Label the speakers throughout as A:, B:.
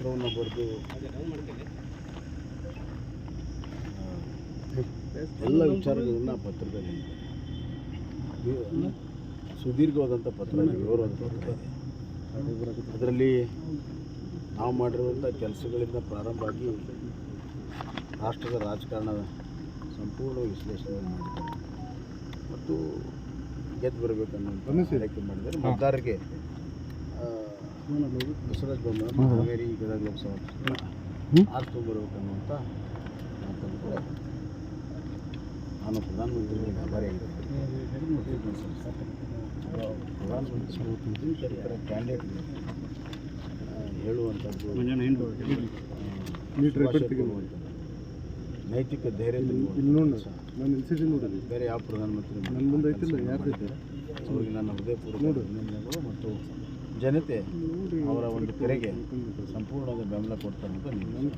A: ಪತ್ರವನ್ನು ಬರೆದು ಎಲ್ಲ ವಿಚಾರಗಳನ್ನು ಪತ್ರದಲ್ಲಿ ಸುದೀರ್ಘವಾದಂಥ ಪತ್ರ, ವಿವರವಾದ ಪತ್ರ ಇದೆ. ಅದರಲ್ಲಿ ನಾವು ಮಾಡಿರುವಂಥ ಕೆಲಸಗಳಿಂದ ಪ್ರಾರಂಭ ಆಗಿ ರಾಷ್ಟ್ರದ ರಾಜಕಾರಣದ ಸಂಪೂರ್ಣ ವಿಶ್ಲೇಷಣೆ ಮಾಡಿದ್ದಾರೆ ಮತ್ತು ಗೆದ್ದು ಬರಬೇಕನ್ನೋ ಆಯ್ಕೆ ಮಾಡಿದ್ದಾರೆ. ಮತದಾರರಿಗೆ ಬಸವರಾಜ ಬೊಮ್ಮಾಯಿ ಹಾವೇರಿ ಗದಗ ಲೋಕಸಭಾ ಆರಿಸ್ಕೊಂಡ್ಬರ್ಬೇಕನ್ನುವಂಥ ಮಾತನ್ನು ಕೂಡ ನಾನು ಪ್ರಧಾನಮಂತ್ರಿಗಳಿಗೆ ಆಭಾರಿಯಾಗಿದ್ದೇನೆ. ಪ್ರಧಾನಮಂತ್ರಿ ಕ್ಯಾಂಡಿಡೇಟ್ ಹೇಳುವಂಥದ್ದು ನೈತಿಕ ಧೈರ್ಯ ಬೇರೆ ಯಾವ ಪ್ರಧಾನಮಂತ್ರಿ ನನ್ನ ಮುಂದೆ ಐತಿಲ್ಲ, ಯಾರು ಅವ್ರಿಗೆ ನನ್ನ ಹೃದಯಪೂರ್ವಕ ಅಭಿನಂದನೆಗಳು ಮತ್ತು ಜನತೆ ಅವರ ಒಂದು ಕರೆಗೆ ಸಂಪೂರ್ಣವಾದ ಬೆಂಬಲ ಕೊಡ್ತಾರೆ ಅಂತ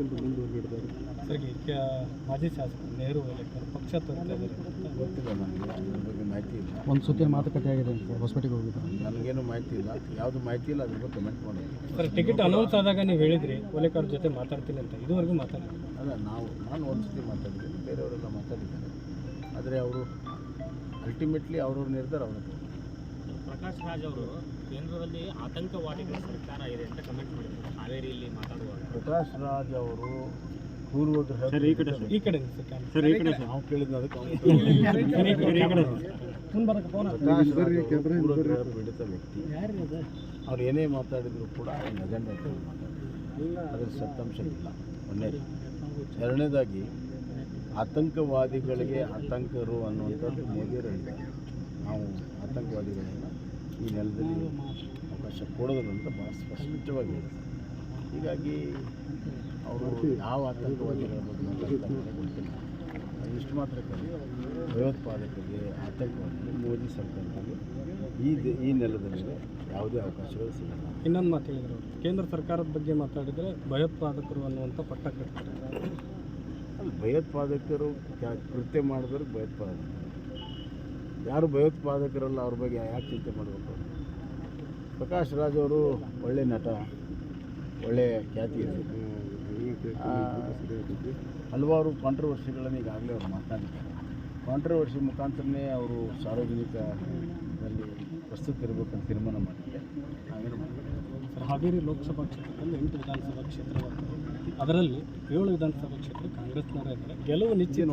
B: ಮಾಜಿ ಶಾಸಕ ನೆಹರು ಪಕ್ಷ
A: ಗೊತ್ತಿಲ್ಲ, ನನಗೆ ಅದ್ರ ಬಗ್ಗೆ ಮಾಹಿತಿ ಇಲ್ಲ.
B: ಒಂದು ಸುತ್ತಿನ ಮಾತುಕತೆ ಆಗಿದೆ ಸರ್, ಹೊಸಪೇಟೆಗೆ ಹೋಗಿದ್ದಾರೆ.
A: ನನಗೇನು ಮಾಹಿತಿ ಇಲ್ಲ, ಯಾವುದು ಮಾಹಿತಿ ಇಲ್ಲ, ಅದ್ರ ಬಗ್ಗೆ ಕಮೆಂಟ್ ಮಾಡಿ.
B: ಸರ್, ಟಿಕೆಟ್ ಅನೌನ್ಸ್ ಆದಾಗ ನೀವು ಹೇಳಿದ್ರಿ ಓಲೇಕರ್ ಜೊತೆ ಮಾತಾಡ್ತೀನಿ ಅಂತ, ಇದುವರೆಗೂ ಮಾತಾಡಿದ್ರಿ?
A: ಅಲ್ಲ, ನಾನು ಒಂದು ಸತಿ ಮಾತಾಡಿದ್ದೀನಿ, ಬೇರೆಯವರೆಲ್ಲ ಮಾತಾಡಿದ್ದಾರೆ. ಆದರೆ ಅವರು ಅಲ್ಟಿಮೇಟ್ಲಿ ಅವ್ರವ್ರ ನಿರ್ಧಾರ ಅವರ.
C: ಪ್ರಕಾಶ್ ರಾಜ್ ಅವರು ಕೇಂದ್ರದಲ್ಲಿ ಆತಂಕವಾದಿಗಳ ಸರ್ಕಾರ ಇದೆ ಅಂತ ಕಮೆಂಟ್ ಮಾಡಿದ್ದಾರೆ ಹಾವೇರಿಯಲ್ಲಿ ಮಾತಾಡುವಾಗ.
A: ಪ್ರಕಾಶ್ ರಾಜ್ ಅವರು ಪೂರ್ವಗ್ರಹ ನಾವು ಕೇಳಿದ್ನ ಅದಕ್ಕೆ ಪೂರ್ವಗ್ರಹ ಪೀಡಿತ ವ್ಯಕ್ತಿ. ಅವ್ರು ಏನೇ ಮಾತಾಡಿದ್ರು ಕೂಡ ಒಂದು ಅಜೆಂಡಾ ಇಟ್ಕೊಂಡು ಮಾತಾಡ್ತಾರೆ, ಅದರ ಸತ್ಯಾಂಶ ಇಲ್ಲ. ಒಂದನೇದು. ಎರಡನೇದಾಗಿ ಆತಂಕವಾದಿಗಳಿಗೆ ಆತಂಕರು ಅನ್ನುವಂಥದ್ದು ಮೋದಿಯವರು ಹೇಳಿದ್ದಾರೆ. ನಾವು ಆತಂಕವಾದಿಗಳನ್ನು ಈ ನೆಲದಲ್ಲಿ ಅವಕಾಶ ಕೊಡೋದಿಲ್ಲ ಅಂತ ಭಾಳ ಸ್ಪಷ್ಟವಾಗಿ ಹೇಳಿದ್ದಾರೆ. ಹೀಗಾಗಿ ಅವರು ಯಾವ ಆತಂಕವಾದಿಗಳ ಬಗ್ಗೆ ಮಾತಾಡ್ತಾರೆ ಗೊತ್ತಿಲ್ಲ. ಇಷ್ಟು ಮಾತ್ರ ಭಯೋತ್ಪಾದಕರಿಗೆ, ಆತಂಕವಾದಿಗಳಿಗೆ ಮೋದಿ ಸರ್ಕಾರದಲ್ಲಿ ಈ ನೆಲದ ಮೇಲೆ ಯಾವುದೇ ಅವಕಾಶಗಳು ಸಿಗಲ್ಲ.
B: ಇನ್ನೊಂದು ಮಾತು ಹೇಳಿದರು, ಕೇಂದ್ರ ಸರ್ಕಾರದ ಬಗ್ಗೆ ಮಾತಾಡಿದರೆ ಭಯೋತ್ಪಾದಕರು ಅನ್ನುವಂಥ ಪಟ್ಟ ಕಟ್ತಾರೆ.
A: ಅಲ್ಲಿ ಭಯೋತ್ಪಾದಕರು ಕೃತ್ಯ ಮಾಡಿದವ್ರಿಗೆ ಭಯೋತ್ಪಾದಕರು, ಯಾರು ಭಯೋತ್ಪಾದಕರಲ್ಲ ಅವ್ರ ಬಗ್ಗೆ ಯಾಕೆ ಚಿಂತೆ ಮಾಡಬೇಕು? ಪ್ರಕಾಶ್ ರಾಜ್ ಅವರು ಒಳ್ಳೆ ನಟ, ಒಳ್ಳೆಯ ಖ್ಯಾತಿ ಇದೆ. ಹಲವಾರು ಕಾಂಟ್ರವರ್ಸಿಗಳನ್ನು ಈಗಾಗಲೇ ಅವರು ಮಾತನಾಡಿದ್ದಾರೆ. ಕಾಂಟ್ರವರ್ಸಿ ಮುಖಾಂತರನೇ ಅವರು ಸಾರ್ವಜನಿಕದಲ್ಲಿ ಪ್ರಸ್ತುತ ಇರಬೇಕಂತ ತೀರ್ಮಾನ ಮಾಡಿದ್ದಾರೆ. ನಾವೇನು
B: ಸರ್, ಹಾವೇರಿ ಲೋಕಸಭಾ ಕ್ಷೇತ್ರದಲ್ಲಿ 8 ವಿಧಾನಸಭಾ ಕ್ಷೇತ್ರ ಬರ್ತದೆ. ಅದರಲ್ಲಿ 7 ವಿಧಾನಸಭಾ ಕ್ಷೇತ್ರ ಕಾಂಗ್ರೆಸ್ನವರೇ ಇದ್ದಾರೆ. ಗೆಲುವು ನಿಶ್ಚಿತ,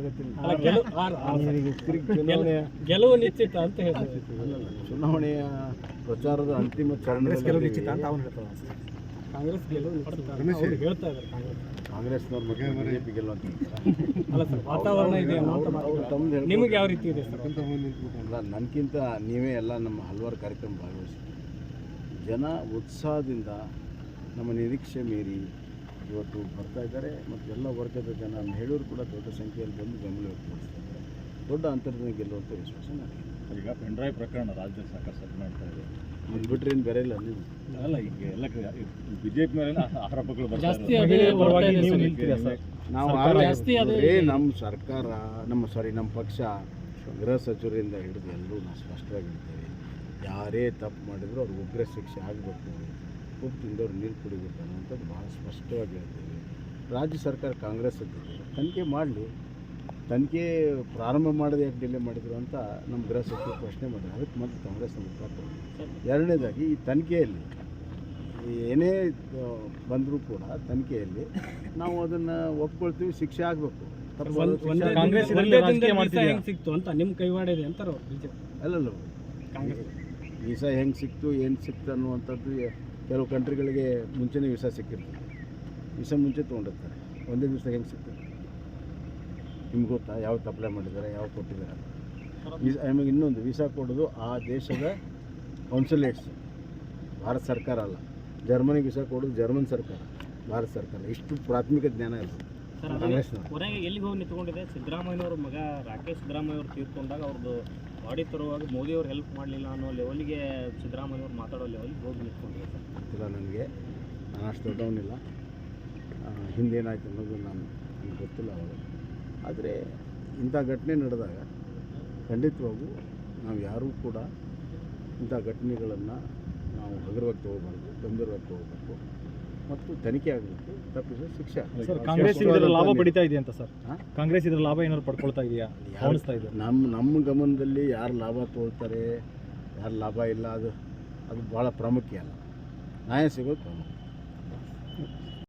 B: ಗೆಲುವು ನಿಶ್ಚಿತ ಅಂತ ಹೇಳ್ತಾರೆ.
A: ಚುನಾವಣೆಯ ಪ್ರಚಾರದ ಅಂತಿಮ ಚರಣದಲ್ಲಿ
B: ಕಾಂಗ್ರೆಸ್ ಗೆಲುವು ಹೇಳ್ತಾ ಇದ್ದಾರೆ.
A: ಕಾಂಗ್ರೆಸ್ನವ್ರ ಬಗ್ಗೆ ಬಿಜೆಪಿ ಗೆಲ್ಲುವಂತ
B: ಅಲ್ಲ ಸರ್, ವಾತಾವರಣ ಇದೆ ನಿಮಗೆ ಯಾವ ರೀತಿ ಇದೆ ಸರ್?
A: ಅಲ್ಲ, ನನಗಿಂತ ನೀವೇ ಎಲ್ಲ ನಮ್ಮ ಹಲವಾರು ಕಾರ್ಯಕ್ರಮ ಭಾಗವಹಿಸಿದ್ದೀವಿ. ಜನ ಉತ್ಸಾಹದಿಂದ ನಮ್ಮ ನಿರೀಕ್ಷೆ ಮೀರಿ ಇವತ್ತು ಬರ್ತಾ ಇದ್ದಾರೆ ಮತ್ತು ಎಲ್ಲ ವರ್ಗದ ಜನ, ಮಹಿಳೆಯರು ಕೂಡ ದೊಡ್ಡ ಸಂಖ್ಯೆಯಲ್ಲಿ ಬಂದು ಬೆಂಬಲ ವ್ಯಕ್ತಪಡಿಸ್ತಾ ಇದ್ದಾರೆ. ದೊಡ್ಡ ಅಂತರದಿಂದ ಗೆಲ್ಲುವಂಥ ವಿಶ್ವಾಸ ನನಗೆ.
C: ಈಗ ಪೆನ್ಡ್ರೈವ್ ಪ್ರಕರಣ ರಾಜ್ಯದಲ್ಲಿ ಸಾಕಷ್ಟು ಸಭೆ ಮಾಡ್ತಾ ಇದೆ.
A: ಅದು ಬಿಟ್ಟರೆ ಏನು ಬೇರೆ ಇಲ್ಲ. ನೀವು
C: ಅಲ್ಲ, ಈಗ ಎಲ್ಲ ಬಿಜೆಪಿ ಮೇಲೆ ಆರೋಪಗಳು
B: ಜಾಸ್ತಿ
A: ನಾವು ನಮ್ಮ ಸರ್ಕಾರ, ನಮ್ಮ ಪಕ್ಷ, ಗೃಹ ಸಚಿವರಿಂದ ಹಿಡಿದು ಎಲ್ಲರೂ ನಾವು ಸ್ಪಷ್ಟವಾಗಿ ಹೇಳ್ತೇವೆ. ಯಾರೇ ತಪ್ಪು ಮಾಡಿದ್ರು ಅವ್ರಿಗೆ ಉಗ್ರ ಶಿಕ್ಷೆ ಆಗಬೇಕು, ಉಪ್ಪು ತಿಂದವ್ರು ನೀರು ಕುಡಿಬೇಕು ಅನ್ನೋಂಥದ್ದು ಭಾಳ ಸ್ಪಷ್ಟವಾಗಿ ಹೇಳ್ತೇವೆ. ರಾಜ್ಯ ಸರ್ಕಾರ ಕಾಂಗ್ರೆಸ್ ತನಿಖೆ ಮಾಡಲಿ, ತನಿಖೆ ಪ್ರಾರಂಭ ಮಾಡೋದು ಯಾಕೆ ಡಿಲೇ ಮಾಡಿದ್ರು ಅಂತ ನಮ್ಮ ಗೃಹ ಸಚಿವರು ಪ್ರಶ್ನೆ ಮಾಡಿದ್ರು. ಅದಕ್ಕೆ ಮತ್ತೆ ಕಾಂಗ್ರೆಸ್ನ ಉತ್ತರ ಕೊಡೋದು. ಎರಡನೇದಾಗಿ ಈ ತನಿಖೆಯಲ್ಲಿ ಏನೇ ಬಂದರೂ ಕೂಡ ತನಿಖೆಯಲ್ಲಿ ನಾವು ಅದನ್ನು ಒಪ್ಕೊಳ್ತೀವಿ, ಶಿಕ್ಷೆ ಆಗಬೇಕು.
B: ಸಿಕ್ತು ಅಂತ ನಿಮ್ಮ ಕೈವಾಡ ಇದೆ ಅಂತಾರೆ
A: ಅಲ್ಲಲ್ಲ, ವೀಸಾ ಹೆಂಗೆ ಸಿಕ್ತು, ಏನು ಸಿಕ್ತು ಅನ್ನುವಂಥದ್ದು ಕೆಲವು ಕಂಟ್ರಿಗಳಿಗೆ ಮುಂಚೆನೇ ವೀಸಾ ಸಿಕ್ಕಿರ್ತದೆ. ವೀಸಾ ಮುಂಚೆ ತೊಗೊಂಡಿರ್ತಾರೆ, ಒಂದೇ ದಿವಸ ಹೆಂಗೆ ಸಿಗ್ತದೆ ನಿಮ್ಗೆ ಗೊತ್ತಾ? ಯಾವತ್ತು ಅಪ್ಲೈ ಮಾಡಿದ್ದಾರೆ, ಯಾವ ಕೊಟ್ಟಿದ್ದಾರೆ? ಆಮೇಲೆ ಇನ್ನೊಂದು, ವೀಸಾ ಕೊಡೋದು ಆ ದೇಶದ ಕಾನ್ಸುಲೇಟ್ಸ್, ಭಾರತ ಸರ್ಕಾರ ಅಲ್ಲ. ಜರ್ಮನಿಗೆ ವೀಸಾ ಕೊಡೋದು ಜರ್ಮನ್ ಸರ್ಕಾರ, ಭಾರತ ಸರ್ಕಾರ. ಇಷ್ಟು ಪ್ರಾಥಮಿಕ ಜ್ಞಾನ ಇರ್ತದೆ ಕಾಂಗ್ರೆಸ್ನ.
C: ಹೊರಗೆ ಎಲ್ಲಿಗೆ ಹೋಗಿ ನಿಂತ್ಕೊಂಡಿದೆ? ಸಿದ್ದರಾಮಯ್ಯವ್ರ ಮಗ ರಾಕೇಶ್ ಸಿದ್ದರಾಮಯ್ಯವ್ರು ತೀರ್ಕೊಂಡಾಗ ಅವ್ರದ್ದು ಬಾಡಿ ತರುವಾಗ ಮೋದಿಯವ್ರು ಹೆಲ್ಪ್ ಮಾಡಲಿಲ್ಲ ಅನ್ನೋ ಲೆವೆಲ್ಗೆ ಸಿದ್ದರಾಮಯ್ಯವ್ರು ಮಾತಾಡೋ ಲೆವೆಲ್ಗೆ ಹೋಗಿ ನಿಂತ್ಕೊಂಡಿದೆ.
A: ಗೊತ್ತಿಲ್ಲ ನನಗೆ, ನಾನು ಅಷ್ಟು ದೊಡ್ಡವನಿಲ್ಲ. ಹಿಂದೇನಾಯ್ತು ಅನ್ನೋದು ನನಗೆ ಗೊತ್ತಿಲ್ಲ ಅವಾಗ. ಆದರೆ ಇಂಥ ಘಟನೆ ನಡೆದಾಗ ಖಂಡಿತವಾಗೂ ನಾವು ಯಾರೂ ಕೂಡ ಇಂಥ ಘಟನೆಗಳನ್ನು ನಾವು ಹಗುರವಾಗಿ ತೊಗೋಬಾರ್ದು, ಗಂಭೀರವಾಗಿ ತೊಗೋಬೇಕು. ಮತ್ತು ತನಿಖೆ ಆಗಬೇಕು, ತಪ್ಪಿದ್ರೆ ಶಿಕ್ಷೆ.
D: ಸರ್ ಕಾಂಗ್ರೆಸ್ ಇದರ ಲಾಭ
A: ಸ್ಪಷ್ಟವಾದಂಥ
D: ಪಡಿತಾ ಇದೆಯಾ ಅಂತ ಸರ್?
A: ಹಾ?
D: ಕಾಂಗ್ರೆಸ್ ಇದರ ಲಾಭ ಏನಾದ್ರು ಪಡ್ಕೊಳ್ತಾ ಇದೆಯಾ ಕಾಣಿಸ್ತಾ ಇದೆ?
A: ನಮ್ಮ ಗಮನದಲ್ಲಿ ಯಾರು ಲಾಭ ತೊಗೊಳ್ತಾರೆ, ಯಾರು ಲಾಭ ಇಲ್ಲ, ಅದು ಭಾಳ ಪ್ರಾಮುಖ್ಯ ಅಲ್ಲ. ನ್ಯಾಯ ಸಿಗೋದು ಪ್ರಾಮುಖ್ಯ.